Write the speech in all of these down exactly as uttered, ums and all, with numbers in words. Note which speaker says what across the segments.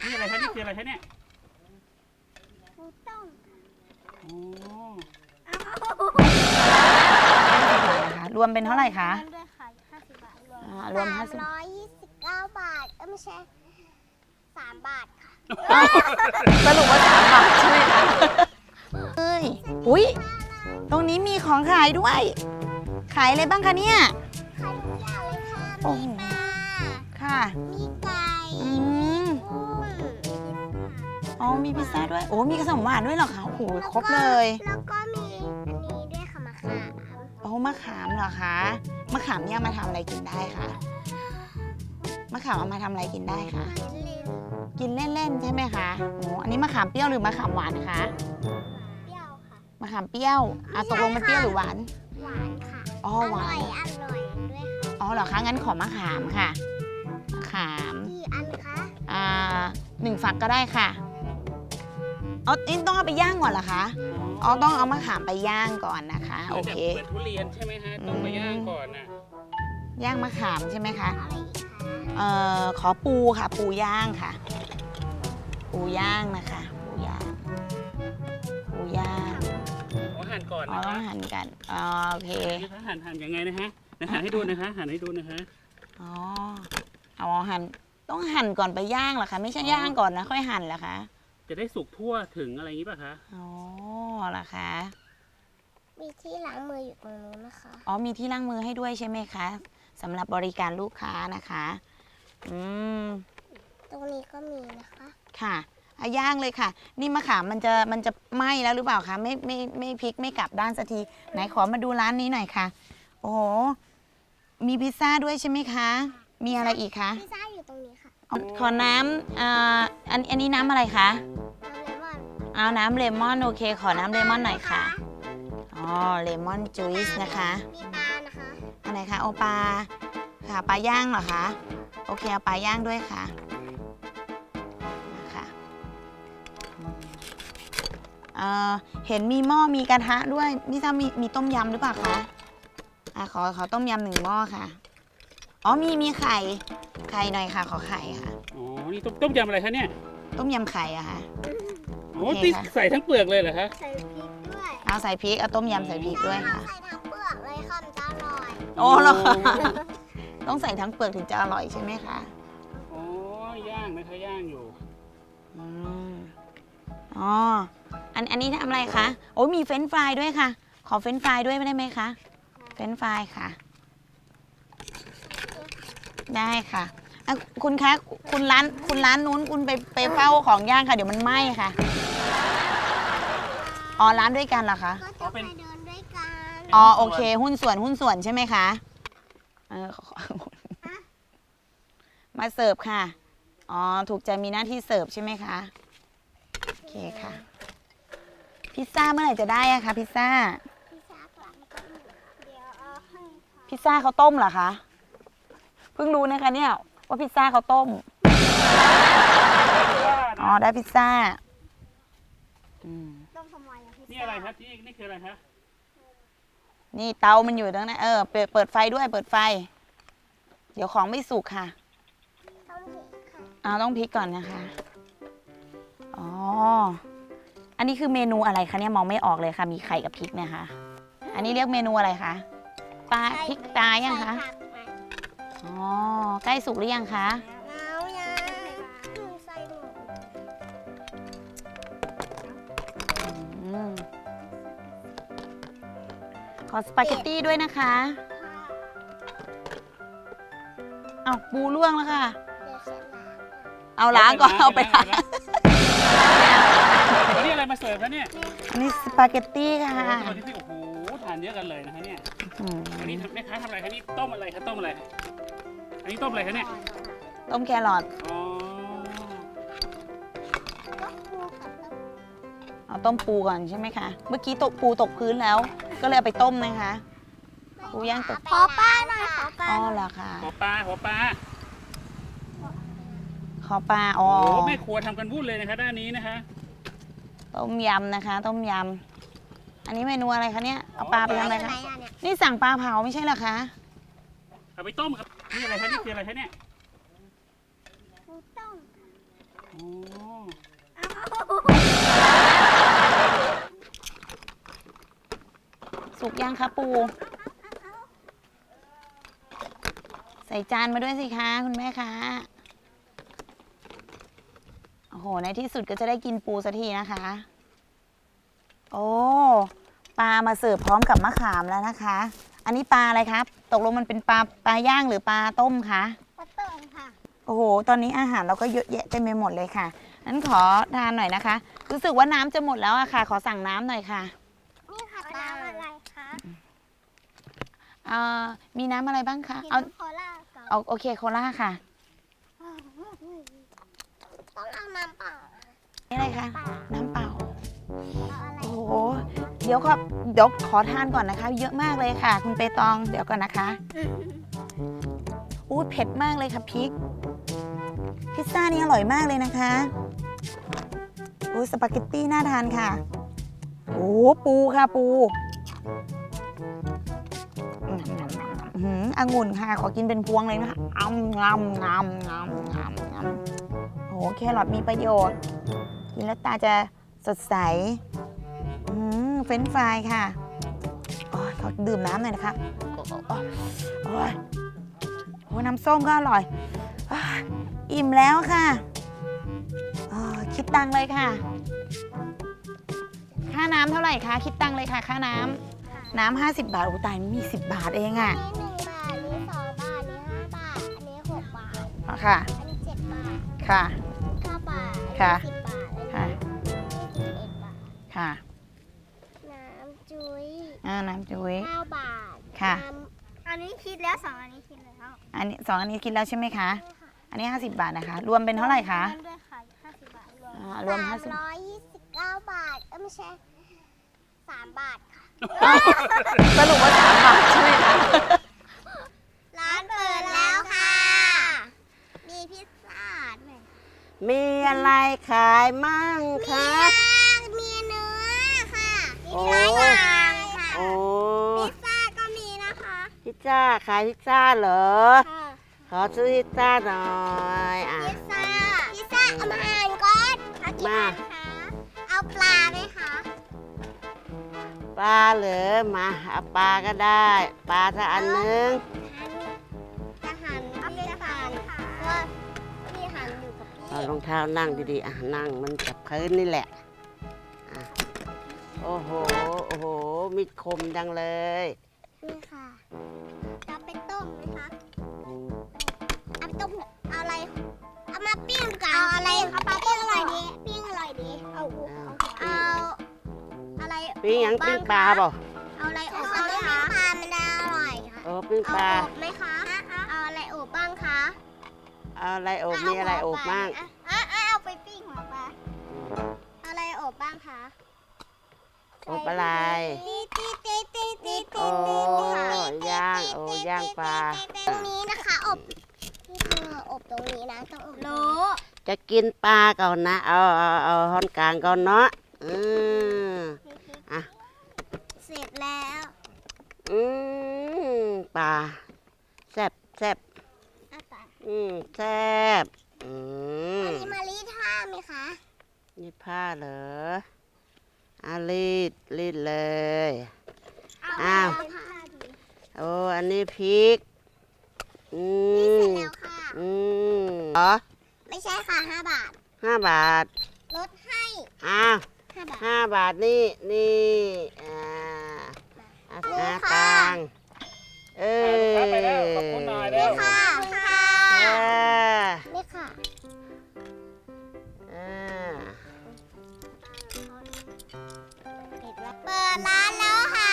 Speaker 1: นี่อะไรคะนี่คืออะไรคะเนี่ย
Speaker 2: ปูต้ม
Speaker 1: โอ้
Speaker 3: นะคะรวมเป็นเท่าไหร่คะ
Speaker 2: รวมด้วยค่ะห้าสิบบาทรวม
Speaker 3: อ่ารวมห้าสิบ
Speaker 2: ร้อยยี่สิบเก้าบาทเออไม่ใช่สามบาทค่ะ
Speaker 3: สรุปว่าสามบาทใช่ไหมคะเอ้ยอุ้ยตรงนี้มีของขายด้วย ขายอะไรบ้างคะเนี่ย
Speaker 2: ขายทุกอย่างเลยค่ะ
Speaker 3: โอ้
Speaker 2: มี
Speaker 3: โห
Speaker 2: ปลา
Speaker 3: ค่ะ
Speaker 2: มีไก่
Speaker 3: อืม
Speaker 2: กุ้ง
Speaker 3: อ๋อมีพิซซ่าด้วยโอ้มีขนมหวานด้วยเหรอคะโอ้โหครบเลย
Speaker 2: แล้วก็มีอันนี้ด้วยค่ะมะขาม
Speaker 3: โอ้มะขามเหรอคะมะขามเนี่ยเอามาทำอะไรกินได้คะมะขามเอามาทำอะไรกินได้คะ
Speaker 2: ลิ้น
Speaker 3: กินเล่นๆใช่ไหมคะโอ้อันนี้มะขามเปรี้ยวหรือมะขามหวานคะ
Speaker 2: เปรี้ยวค่ะ
Speaker 3: มะขามเปรี้ยวอ่ะตกลงมันเปรี้ยวหรือหวาน
Speaker 2: หวานค่ะ
Speaker 3: อ๋อหวาน
Speaker 2: อร่อยอร่อยด้วยค่ะ
Speaker 3: อ๋อเหรอคะงั้นขอมะขามค่ะมะขาม
Speaker 2: กี่อันคะ
Speaker 3: อ่าหนึ่งฝักก็ได้ค่ะเอานี่ต้องเอาไปย่างก่อนเหรอคะอ๋อต้องเอามะขามไปย่างก่อนนะคะโอเค
Speaker 1: เหมือนทุเรียนใช่ไหมฮะต้องไปย่างก่อนน่ะ
Speaker 3: ย่างมะขามใช่ไหมคะ
Speaker 2: อะไรอีกคะ
Speaker 3: เอ่อขอปูค่ะ ปูย่างค่ะ ปูย่างนะคะ ปูย่าง ปูย่าง
Speaker 1: ขอหั่นก่อน
Speaker 3: อ๋อ
Speaker 1: นะ
Speaker 3: ต้อ
Speaker 1: คะ
Speaker 3: งหั่นกันอ๋อโอเค
Speaker 1: นี่คะหั่นหั่นยังไงนะฮะนะหั่นให้ดูนะคะหั่นให้ดูนะคะ
Speaker 3: อ๋อเอาหั่นต้องหั่นก่อนไปย่างเหรอคะไม่ใช่ย่างก่อนนะค่อยหั่นเหรอคะ
Speaker 1: จะได้สุกทั่วถึงอะไรอย่างนี้ป่ะคะ
Speaker 3: อ๋อเหรอคะ
Speaker 2: มีที่ล้างมืออยู่ตรงนู้นนะคะ
Speaker 3: อ๋อมีที่ล้างมือให้ด้วยใช่ไหมคะสำหรับบริการลูกค้านะคะอืม
Speaker 2: ตรงนี้ก็มีนะคะ
Speaker 3: ค่ะอ่ะย่างเลยค่ะ นี่มะขามมันจะมันจะไหม้แล้วหรือเปล่าคะไม่ไม่ไม่พลิกไม่กลับด้านสักทีไหนขอมาดูร้านนี้หน่อยค่ะ โอ้โหมีพิซซ่าด้วยใช่ไหมคะ มีอะไรอีกคะ
Speaker 2: พิซซ่าอยู่ตรงนี้ค่ะ
Speaker 3: อ๋อขอน้ำอ่าอันอันนี้น้ำอะไรคะ
Speaker 2: น้ำเลมอน
Speaker 3: เอาน้ำเลมอนโอเค ขอน้ำเลมอนหน่อยค่ะอ๋อเลมอนจูสนะคะ
Speaker 2: มีปลานะคะ
Speaker 3: อันไหนคะโอปลาค่ะปลาย่างเหรอคะโอเคเอาปลาย่างด้วยค่ะนะคะอืมเอ่อเห็นมีหม้อมีกระทะด้วยนี่ถ้ามีมีต้มยำหรือเปล่าคะอ่ะขอขอต้มยำหนึ่งหม้อค่ะอ๋อมีมีไข่ไข่หน่อยค่ะขอไข่ค่ะ
Speaker 1: อ๋อนี่ต้มต้มยำอะไรคะเนี่ย
Speaker 3: ต้มยำไข่อะค่ะ
Speaker 1: โอ้
Speaker 3: โอเค
Speaker 1: ที่
Speaker 3: ค่ะ
Speaker 1: ใส่ทั้งเปลือกเลยเหรอคะ
Speaker 2: ใส่พริกด้วย
Speaker 3: เอาใส่พริกเอาต้มยำใส่พริกด้วยค่ะ
Speaker 2: ใส่ทั้งเปลือกเลยค่ะมันจะอร่อย
Speaker 3: โอ้เหรอคะต้องใส่ทั้งเปลือกถึงจะอร่อยใช่ไหมคะ
Speaker 1: โอ้ย่างนะคะย่างอยู่
Speaker 3: อืมอ๋อ อันอันนี้ทำอะไรคะ โอ้ยมีเฟรนช์ฟรายด้วยค่ะ ขอเฟรนช์ฟรายด้วยได้ไหมคะ เฟรนช์ฟรายค่ะ ได้ค่ะอ่ะ คุณคะ คุณร้าน คุณร้านนู้นคุณไปไปเฝ้าของย่างค่ะ เดี๋ยวมันไหม้ค่ะ อ๋อ ร้านด้วยกันเหรอคะ
Speaker 2: ก็จะไปเดินด้วยกัน
Speaker 3: อ๋อ โอเค หุ้นส่วน หุ้นส่วนใช่ไหมคะ เออขอมาเสิร์ฟค่ะ อ๋อ ถูกใจมีหน้าที่เสิร์ฟใช่ไหมคะ โอเคค่ะ พิซซ่าเมื่อไหร่จะได้อะคะพิซซ่า
Speaker 2: พิซซ่าก่อนเดี๋ยวเอาให้ค่ะ
Speaker 3: พิซซ่าเขาต้มเหรอคะ เพิ่งรู้นะคะเนี่ยว่าพิซซ่าเขาต้ม อ๋อ ได้พิซซ่าอืม
Speaker 2: ต้มทำไมอะพิซซ่า
Speaker 1: นี่อะไรครับนี่นี่คืออะไรคะ
Speaker 3: นี่เตามันอยู่ตรงนั้นเออ เปิดเปิดไฟด้วย เปิดไฟ เดี๋ยวของไม่สุกค่ะ
Speaker 2: ต้มพริกค่ะ
Speaker 3: เอาต้องพลิกก่อนนะคะ อ๋อ อันนี้คือเมนูอะไรคะเนี่ยมองไม่ออกเลยค่ะ มีไข่กับพริกเนะคะ อันนี้เรียกเมนูอะไรคะ ปลาพริกตายยังคะ
Speaker 2: ใส่ผักไหม
Speaker 3: อ๋อ ใกล้สุกหรือยังคะ
Speaker 2: เอายังหนูใส่หมู
Speaker 3: อืมขอสปาเกตตี้ด้วยนะคะ
Speaker 2: ค่ะ
Speaker 3: เอาปูล่วงแล้วค่ะ
Speaker 2: เดี๋ยวฉันล้าง
Speaker 3: เอาล้างก่อนเอาไปล้าง
Speaker 1: อันนี้อะไรมาเสิร์ฟคะเนี่ย
Speaker 3: อันนี้สปาเกตตี้ค่ะ
Speaker 1: สวัสดีพี่โอ้โหทานเยอะกันเลยนะคะเนี่ย
Speaker 3: อืม
Speaker 1: อันนี้ทำแม่ค้าทำอะไรคะนี่ต้มอะไรคะต้มอะไร อันนี้ต้มอะไรคะเนี่ย
Speaker 3: ต้มแครอท
Speaker 1: อ๋อ
Speaker 2: ก็ปูกับต้ม
Speaker 3: เอาต้มปูก่อนใช่ไหมคะ เมื่อกี้ตกปูตกพื้นแล้ว ก็เลยเอาไปต้มนะคะ ปูย่างตก
Speaker 2: ขอป้าหน่อยขอป้า
Speaker 3: อ๋อ
Speaker 2: หน่อย
Speaker 3: เหรอคะ
Speaker 1: หัวปลาหัวปลา
Speaker 3: ขอปลา อ๋อ
Speaker 1: โอ้โหแม่ครัวทำกันวุ่นเลยนะคะด้านนี้นะคะ
Speaker 3: ต้มยำนะคะ ต้มยำ อันนี้เมนูอะไรคะเนี่ย เอาปลาไปทำอะไร
Speaker 2: อยู่
Speaker 3: คะ
Speaker 2: ไหนอะเนี่ย
Speaker 3: นี่สั่งปลาเผาไม่ใช่เหรอคะ
Speaker 1: เอาไปต้มครับ นี่อะไรคะนี่คืออะไรคะเนี่ย
Speaker 2: ปูต้ม
Speaker 1: โอ้
Speaker 3: สุกยังคะปูใส่จานมาด้วยสิคะคุณแม่คะโอ้โหในที่สุดก็จะได้กินปูสักทีนะคะโอ้ปลามาเสิร์ฟพร้อมกับมะขามแล้วนะคะ อันนี้ปลาอะไรครับตกลงมันเป็นปลาปลาย่างหรือปลาต้มคะ
Speaker 2: ปลาเติมค่ะ
Speaker 3: โอ้โหตอนนี้อาหารเราก็เยอะแยะเต็มไปหมดเลยค่ะนั้นขอทานหน่อยนะคะ รู้สึกว่าน้ำจะหมดแล้วอะค่ะ ขอสั่งน้ำหน่อยค่ะ
Speaker 2: นี่ค่ะน้ำอะไรคะ
Speaker 3: เอ่อมีน้ำอะไรบ้างคะ
Speaker 2: กิน
Speaker 3: เอา
Speaker 2: โคลากับ
Speaker 3: เอาโอเคโคล่าค่ะ
Speaker 2: ต้องเอาน้ำเปล่า
Speaker 3: นี่อะไรคะน้ำเปล่า
Speaker 2: เอาอะไร
Speaker 3: โอ้โหเดี๋ยวขอเดี๋ยวขอทานก่อนนะคะ เยอะมากเลยค่ะ คุณเปตองเดี๋ยวก่อนนะคะอู้เผ็ดมากเลยค่ะพริกพิซซ่านี่อร่อยมากเลยนะคะโอ้สปาเกตตี้น่าทานค่ะโอ้ปูค่ะปูอื้อหือองุ่นค่ะ ขอกินเป็นพวงเลยนะคะอ้ำงำงำงำงำงำโอ้แครอทมีประโยชน์ กินแล้วตาจะสดใสอืมเฟรนช์ฟรายค่ะโอ้ยขอดื่มน้ำหน่อยนะคะโอ้โอ้โอ้ยโอ้น้ำส้มก็อร่อยอ้าวอิ่มแล้วค่ะอ๋อคิดตังค์เลยค่ะ ค่าน้ำเท่าไหร่คะ คิดตังค์เลยค่ะ ค่าน้ำ น้ำห้าสิบบาท โอ้ตายมีสิบบาทเองอะ
Speaker 2: อันนี้หนึ่งบาท อันนี้สองบาท อันนี้ห้าบาท อันนี้หกบาท
Speaker 3: อ๋อค่ะ
Speaker 2: อันนี้เจ็ดบาท
Speaker 3: ค่ะ
Speaker 2: เก้าบาท
Speaker 3: ค่ะ
Speaker 2: อันนี้สิบบาท
Speaker 3: ค่ะ
Speaker 2: อันนี้สิบเอ็ดบาท
Speaker 3: ค่ะ
Speaker 2: น้ำจุ้ย
Speaker 3: อ่าน้ำจุ้ย
Speaker 2: เก้าบาท
Speaker 3: ค่ะ
Speaker 2: น้ำอันนี้คิดแล้วสองอันนี้คิดแล้ว
Speaker 3: อันนี้สองอันนี้คิดแล้วใช่ไหมคะ
Speaker 2: ใช่ค่ะ
Speaker 3: อันนี้ห้าสิบบาทนะคะ รวมเป็นเท่าไหร่คะ
Speaker 2: รวมด้วยค่ะห้าสิบบาทรวม
Speaker 3: อ่ารวมห้าสิบ
Speaker 2: สามร้อยยี่สิบเก้าบาท เอ้ยไม่ใช่สามบาทค่ะ
Speaker 3: สรุปว่าสามบาทใช่ไหมคะ
Speaker 2: ร้านเปิดแล้วค่ะ มีพิซซ่าด้วย
Speaker 4: มีอะไรขายมั่ง
Speaker 2: มี
Speaker 4: คะ
Speaker 2: มีเนื้อค่ะ
Speaker 4: โอ้
Speaker 2: มีหลายอย่างค่ะ
Speaker 4: โอ้
Speaker 2: พิซซ่าก็มีนะคะ
Speaker 4: พิซซ่าขายพิซซ่าเหรอ
Speaker 2: ค่ะ
Speaker 4: ขอซื้อพิซซ่าหน่อยอ่ะ
Speaker 2: พิซซ่า พิซซ่าเอามาอ่านก่อนเอากี่
Speaker 4: มา
Speaker 2: อันคะ เอาปลาไหมคะ
Speaker 4: ปลาเหรอมาเอาปลาก็ได้ ปลาสักอันนึง
Speaker 2: จะหั่นพี่จะหั่นเพราะว่าพี่หั่นอยู่กับพี่
Speaker 4: เอารองเท้านั่งดีๆอ่ะนั่งมันกับพื้นนี่แหละอ่ะโอ้โหโอ้โหมีดคมจังเลย
Speaker 2: นี่ค่ะ จะไปต้มไหมคะ เอาไปต้มเอาอะไร เอามาปิ้งกันเอาอะไรเอาปลาปิ้งอร่อยดีปิ้งอร่อยดี เอาเอาอะไร
Speaker 4: ปิ้งหยังปิ้งปลาเปล่า
Speaker 2: เอาอะไรอบบ้างคะปลามันอร่อยค่ะ
Speaker 4: โอ้ปิ้ง
Speaker 2: เอา
Speaker 4: ปลา
Speaker 2: อบไหมคะ เอาอะไรอบบ้างคะ
Speaker 4: เอาอะไรอบมีอะไรอบบ้าง
Speaker 2: อ่ะอ่ะเอาไปปิ้งหัวปลาเอาอะไรอบบ้างคะ
Speaker 4: อบอะไร
Speaker 2: ตีตีตีตีตีตี
Speaker 4: โอ้ ย่างโอ้ย่างปลา
Speaker 2: ตรงนี้นะคะอบที่เธออบตรงนี้นะต้องอบรู้
Speaker 4: จะกินปลาก่อนนะ เอาเอาเอาห้อนกลางก่อนเนาะอืมอ่ะ
Speaker 2: เสร็จแล้ว
Speaker 4: อืมปลาแซ่บแซ่บ
Speaker 2: อ่ะปลา
Speaker 4: อืมแซ่บอืม
Speaker 2: อันนี้มารีดผ้าไหมคะ
Speaker 4: นี่ผ้าเหรออารีดรีดเลย อ้าว
Speaker 2: เผ้าดี
Speaker 4: โอ้อันนี้พริก อื
Speaker 2: นี่เสร็จ
Speaker 4: ม
Speaker 2: แล้วค่ะ
Speaker 4: อืมเหรอ
Speaker 2: ไม่ใช่ค่ะห้าบาท
Speaker 4: ห้าบาท
Speaker 2: ลดให้
Speaker 4: อ้าว
Speaker 2: ห้าบาท
Speaker 4: ห้าบาทนี่นี่อ่าอา
Speaker 2: นี่
Speaker 4: หา
Speaker 2: ค่ะ
Speaker 4: ตังค์เออ
Speaker 1: ไปแล้วขอบคุณหน่อยแล้ว
Speaker 2: ค่ะค่ะ
Speaker 4: อ่า
Speaker 2: นี่ค่ะ
Speaker 4: อ่า
Speaker 2: เปิดร้านแล้วค่ะ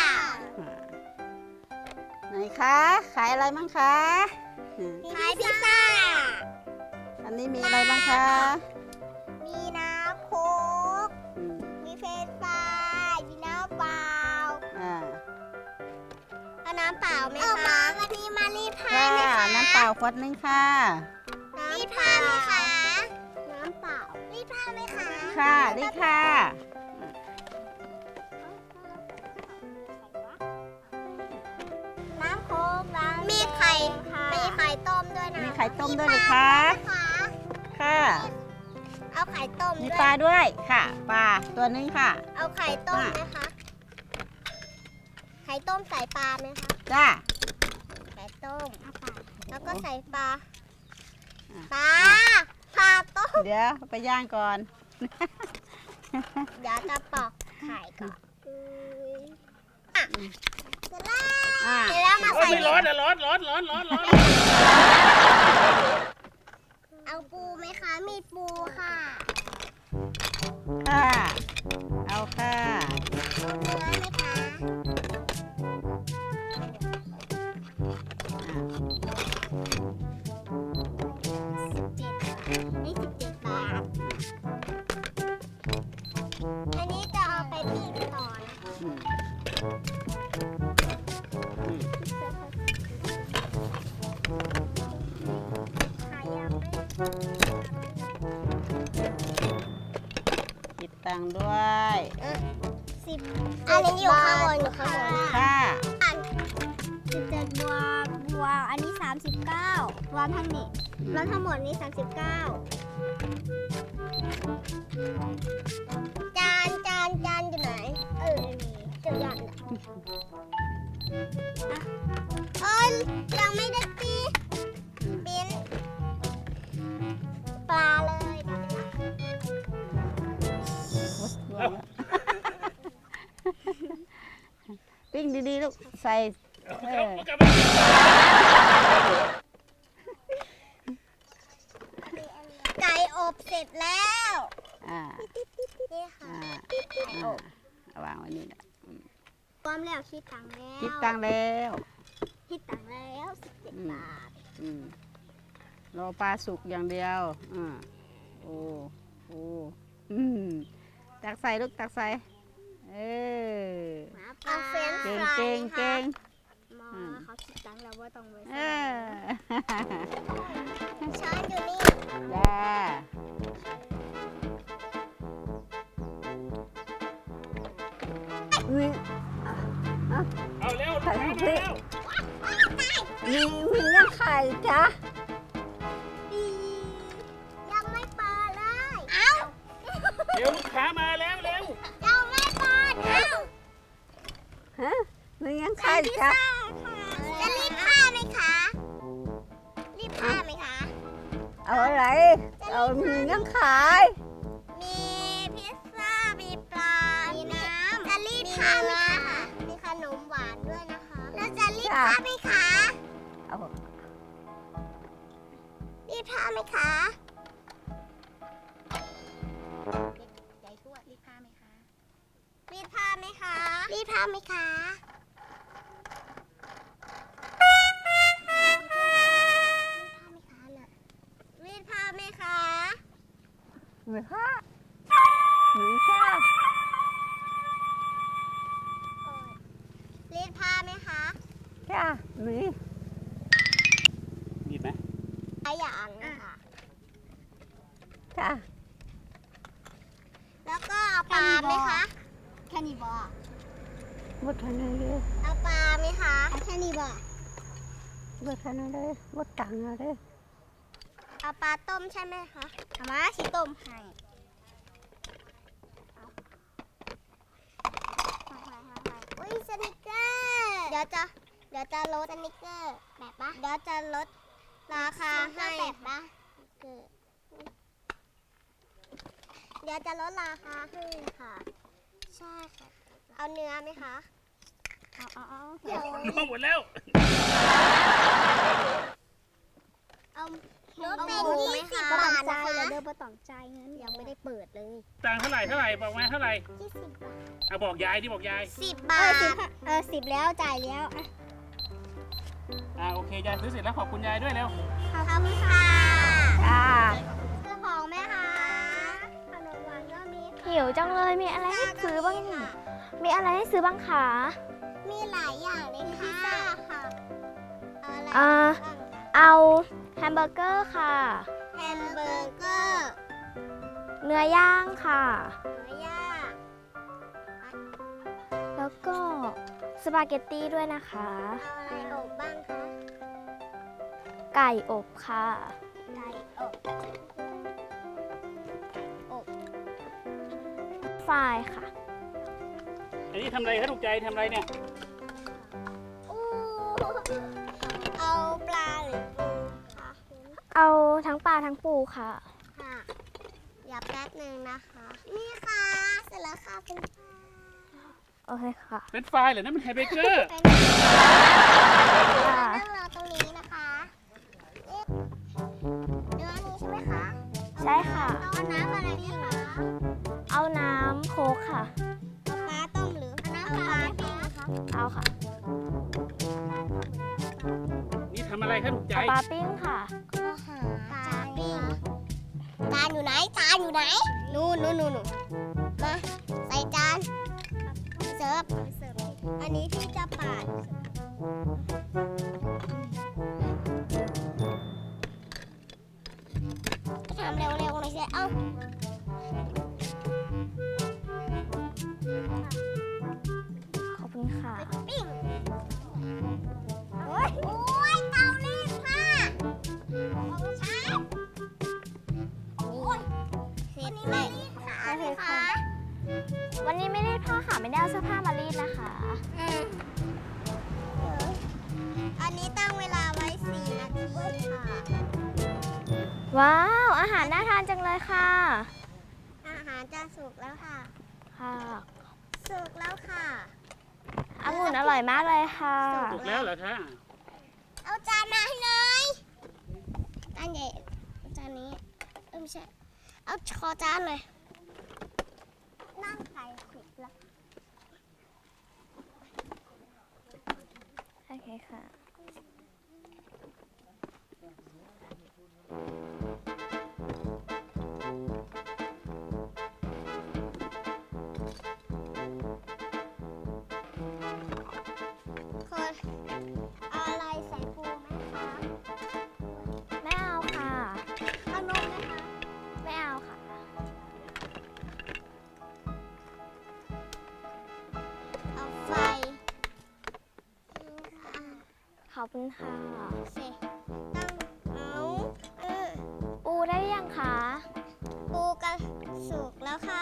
Speaker 4: ไหนคะ ขายอะไรบ้างคะ
Speaker 2: ขายพิซซ่า
Speaker 4: อันนี้มีอะไรบ้างคะ
Speaker 2: มีน้ำโค้ก
Speaker 4: อืม
Speaker 2: มีเฟรนช์ฟรายมีน้ำเปล่า
Speaker 4: อ่า
Speaker 2: เอาน้ำเปล่าไหมคะวันนี้มารีดผ้า
Speaker 4: ค่ะ
Speaker 2: ไหมคะ
Speaker 4: น้ำเปล่าขวดนึงค่ะ
Speaker 2: รีดผ้าไหมคะ น้ำเปล่า รีดผ้าไหมคะ
Speaker 4: ค่ะดีค่ะ
Speaker 2: น้ำโค้กน้ำมีไข่ มีไข่ต้มด้วยนะ
Speaker 4: มีไข่ต้มด้วยเหรือคะ
Speaker 2: ปลาไหมคะ
Speaker 4: ค่ะ
Speaker 2: เอาไข่ต้ม
Speaker 4: มี
Speaker 2: ด้วย
Speaker 4: ปลาด้วยค่ะ ปลาตัวนึงค่ะ
Speaker 2: เอาไข่ต้ม
Speaker 4: อ่ะ
Speaker 2: ไหมคะข่ต้มใส่ปลาไหมคะ
Speaker 4: จ้า
Speaker 2: ไข่ต้มแล้วก็ใส่ปลา
Speaker 4: อ่ะ
Speaker 2: ปลาปลาต้ม
Speaker 4: เดี๋ยวไปย่างก่อน
Speaker 2: เดี๋ยวจะปอกไข่ก่อนอ่ะเสร็จแล้ว
Speaker 4: อ่า
Speaker 2: เสร็จแล้วมา
Speaker 1: โอ้ย
Speaker 2: ใส่
Speaker 1: ไม่ร้อนอะร้อนร้อนร้อนร้อนร้อน
Speaker 2: เอาปูไหมคะ มีปูค่ะ
Speaker 4: ค่ะ เอาค่ะ
Speaker 2: เอาเนื้อไหมคะ สิบเจ็ดนี่สิบเจ็ดบาท อันนี้จะเอาไปปิ้งต่อนะคะ
Speaker 4: อืมอืม
Speaker 2: ขายยังไม่
Speaker 4: คิดตังค์ด้วย
Speaker 2: สิบอันนี้อยู่ข้างบนอยู่ข้างบน
Speaker 4: ค่ะ
Speaker 2: สิบเจ็ดบวกบวกอันนี้สามสิบเก้ารวมทั้งนี้รวมทั้งหมดนี้สามสิบเก้าจานจานจานอยู่ไหน เออมีเจอจานอ่ะเอ้ยยังไม่ได้ปีปิ้นปลาเลยเดี๋ยวนะ
Speaker 4: ปิ้งดีๆลูก ใส่เออ
Speaker 1: กลับมา
Speaker 2: ไก่อบเสร็จแล้ว
Speaker 4: อ่า
Speaker 2: นี่ค่ะ
Speaker 4: อ่า
Speaker 2: ไก่อ
Speaker 4: อ่า
Speaker 2: บ
Speaker 4: เอาวางไว้นี่แหละ
Speaker 2: พร้อมแล้วคิดตังค์แล้ว
Speaker 4: คิดตังค์แล้ว
Speaker 2: คิดตังค์แล้วสิบเจ็ด
Speaker 4: อืม
Speaker 2: บาท
Speaker 4: อืมรอปลาสุกอย่างเดียวอ่าโอ้โอ้อืมตักใส่ลูกตักใส่ เออ
Speaker 2: เอาเฟรนช์
Speaker 4: เก่ง
Speaker 2: ฟราย
Speaker 4: เก่ง
Speaker 2: ไหมคะ
Speaker 4: เก่ง
Speaker 2: หมอเขาคิดตังค์แล้วว่าต้องไป
Speaker 4: เอ
Speaker 2: ซื้
Speaker 4: อ
Speaker 2: อช้อนอยู่นี่
Speaker 4: จ้า
Speaker 1: เอาเร็วลูกค้ามาแล้ว
Speaker 4: มีมียังไข่จ้ะ
Speaker 2: ปียังไม่เปิดเลย เอ้า
Speaker 1: เร็วลูกค้ามาแล้วเร็ว
Speaker 2: ยังไม่เปิด เอ้า
Speaker 4: ฮะมียัง
Speaker 2: ใส่
Speaker 4: ไข่
Speaker 2: พิซ
Speaker 4: จ้ะ
Speaker 2: ซ่าค่ะจะรีบผ้าไหมคะ รีบผ้าไหมคะ
Speaker 4: เอาอะไร เอามียังขาย
Speaker 2: มีพิซซ่า มีปลา มีน้ำจะรีบผ้าไหมคะ มีขนมหวานด้วยนะคะ แล้วจะรีบผ้าไหมคะ
Speaker 4: เอา
Speaker 2: รีบผ้าไหมคะใหญ่ทั่วรีบผ้าไหมคะ รีบผ้าไหมคะ รีบผ้าไหมคะ รีดผ้าไหมคะ
Speaker 4: หรือค่ะหรือจ้า
Speaker 2: รีดผ้าไหมคะ
Speaker 4: จ้าหรือ
Speaker 1: มีไหม
Speaker 2: ขยันนะคะ
Speaker 4: จ้า
Speaker 2: แล้วก็เอาปลาไหมคะแค่นี้บอ
Speaker 4: หมดทันเลย
Speaker 2: เอาปลาไหมคะแค่นี้บอ
Speaker 4: หมดทันเลยหมดตังค์เลย
Speaker 2: เอาปลาต้มใช่ไหมคะเอามาชิต้มให้อุ้ยสนิกเกอร์เดี๋ยวจะเดี๋ยวจะลดสนิกเกอร์แบบปะเดี๋ยวจะลดราคาให้แบบปะเดี๋ยวจะลดราคาให้ค่ะ ใช่ค่ะ เอาเนื้อไหมคะ เอาเอาเอาเดี๋ยว
Speaker 1: เอาหมดแล้ว
Speaker 2: เอาลดเป็นยี่สิบบาทนะคะเดี๋ยวบ่ต้องจ่ายเงินยังไม่ได้เปิดเลย
Speaker 1: ตังค์เท่าไหร่เท่าไหร่บอกมาเท่าไหร่
Speaker 2: ยี่สิบบาท
Speaker 1: เอาบอกยายที่บอกยาย
Speaker 2: สิบบาทเออสิบแล้วจ่ายแล้วอ่ะ
Speaker 1: อ่าโอเคยายซื้อเสร็จแล้วขอบคุณยายด้วยเร็ว
Speaker 2: ขอบคุณค่ะ
Speaker 4: จ้า
Speaker 2: ซื้อของไหมคะขนมหวานก็มีค่ะ
Speaker 5: หิวจังเลยมีอะไรให้ซื้อบ้าง
Speaker 2: ค่ะ
Speaker 5: มีอะไรให้ซื้อบ้างคะ
Speaker 2: มีหลายอย่างเลยค่ะพิซซ่าค่ะเอาอะไร
Speaker 5: อ่า
Speaker 2: บ้าง
Speaker 5: เอาแฮมเบอร์เกอร์ค่ะ
Speaker 2: แฮมเบอร์เกอร์
Speaker 5: เนื้อย่างค่ะ
Speaker 2: เนื้อย่าง
Speaker 5: แล้วก็สปาเกตตี้ด้วยนะคะ
Speaker 2: เอาอะไรอบบ้างคะ
Speaker 5: ไก่อบค่ะ
Speaker 2: ไก่อบ
Speaker 5: ฟรายค่ะ
Speaker 1: อันนี้ทำอะไรคะถูกใจทำอะไรเนี่ย
Speaker 5: ปลาทั้งปูค่ะ
Speaker 2: ค่ะอย่าแป๊บหนึ่งนะคะ นี่ค่ะ เสร็จแล้วค่ะเป็น
Speaker 5: โอเคค่ะ
Speaker 1: เป็นไฟล์เหรอนั่นมันแฮมเบอร์เกอร์
Speaker 2: เป็น
Speaker 5: ค่ะ
Speaker 2: นั่งรอตรงนี้นะคะนี่เนื้อนี้ใช่ไหมคะ
Speaker 5: ใช่ค่ะ
Speaker 2: เอาน้ำอะไรดีคะ
Speaker 5: เอาน้ำโค้กค่ะ
Speaker 2: เอาปลาต้มหรือเอาน้ำปลาปิ้งคะ
Speaker 5: เอาค่ะ
Speaker 1: นี่ทำอะไรครับถูกใจ
Speaker 5: เอาปลาปิ้งค่ะ
Speaker 2: ก็หาปลาปิ้งจานอยู่ไหนจานอยู่ไหนนู่นนู่นนู่นมาใส่จานเสิร์ฟอันนี้ที่จะปาดทำเร็วๆหน่อยสิเอ้า
Speaker 5: ขอบคุณค่ะ
Speaker 2: ปิ้งโอ้ยโอ้ยเตารีดผ้าของฉันโอ้ยเสร็จเลยค่ะ
Speaker 5: โอเคค่ะ วันนี้ไม่รีดผ้าค่ะ ไม่ได้เอาเสื้อผ้ามารีดนะคะ
Speaker 2: อืมอันนี้ตั้งเวลาไว้สี่นาทีค่ะ
Speaker 5: ว้าว อาหารน่าทานจังเลยค่ะ
Speaker 2: อาหารจะสุกแล้วค่ะ
Speaker 5: ค่ะ
Speaker 2: สุกแล้วค่ะ
Speaker 5: องุ่นอร่อยมากเลยค่ะ
Speaker 1: ถูกแล้วเหรอคะ
Speaker 2: เอาจานมาให้หน่อยจานใหญ่จานนี้เออไม่ใช่ เอาขอจานเลยนั่งใส่ขุดแล้ว
Speaker 5: โอเคค่ะ
Speaker 2: คนเอาอะไรใส่ปูไหมคะ
Speaker 5: ไม่เอาค่ะ
Speaker 2: เอานมไหมคะ
Speaker 5: ไม่เอาค่ะ
Speaker 2: เอาไฟ
Speaker 5: ขอบคุณค่ะ
Speaker 2: เสร็จตั้งเอาเออ
Speaker 5: ปูได้หรือยังคะ
Speaker 2: ปูกันสุกแล้วค่ะ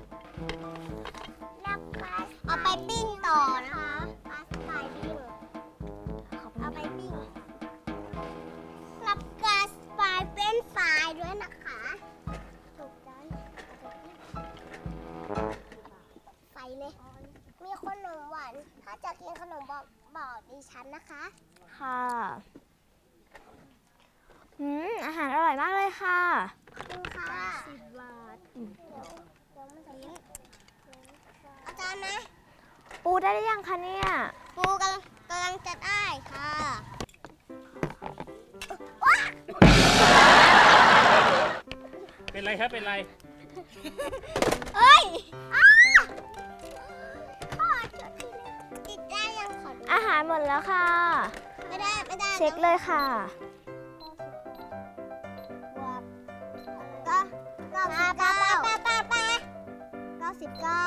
Speaker 2: เอาไปปิ้งต่อนะคะปลาสไตล์ปิ้ง
Speaker 5: ขอบคุณ
Speaker 2: เอาไป
Speaker 5: ค่ะ
Speaker 2: ปิ้งรับกาสไฟเป็นไฟด้วยนะคะถูกใจใส่เลย มีขนมหวาน ถ้าจะกินขนมบอกบอกดิฉันนะคะ
Speaker 5: ค่ะอืมอาหารอร่อยมากเลยค่ะ
Speaker 2: ขอบคุณค่ะสิบบาทเดี๋ยวเดี๋ยวมันจะยิ้มอาจารย์นะ
Speaker 5: ปูได้หรือยังคะเนี่ย
Speaker 2: ปูกำลังกำลังจะได้ค่ะ
Speaker 1: เป็นไรครับเป็นไร
Speaker 2: เอ้ยอ้าขอโทษทีนะติดได้ยังขอดู
Speaker 5: อาหารหมดแล้วค่ะ
Speaker 2: ไม่ได้ไม่ได้
Speaker 5: เช็คเลยค่ะ
Speaker 2: ก็เก้าสิบเก้าป้าป้าป้าป้าเก้าสิบเก้า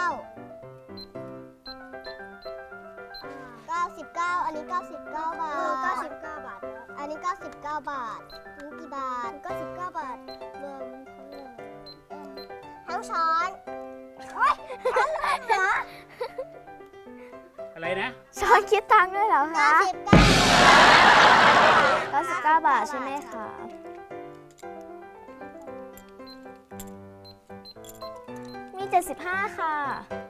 Speaker 2: เก้าสิบเก้าอันนี้เก้าสิบเก้าบาทเก้าสิบเก้าบาท อันนี้เก้าสิบเก้าบาทนี่กี่บาทเก้าสิบเก้าบาทรวมทั้งช้อนโอ๊ยเหรอ
Speaker 1: อะไรนะ
Speaker 5: ช้อนคิดตังค์ด้วยเหรอ
Speaker 2: เก้า
Speaker 5: คะ
Speaker 2: สิบเก้า
Speaker 5: เก้าสิบเก้าบาทใช่ไหมคะ มีเจ็ดสิบห้าค่ะ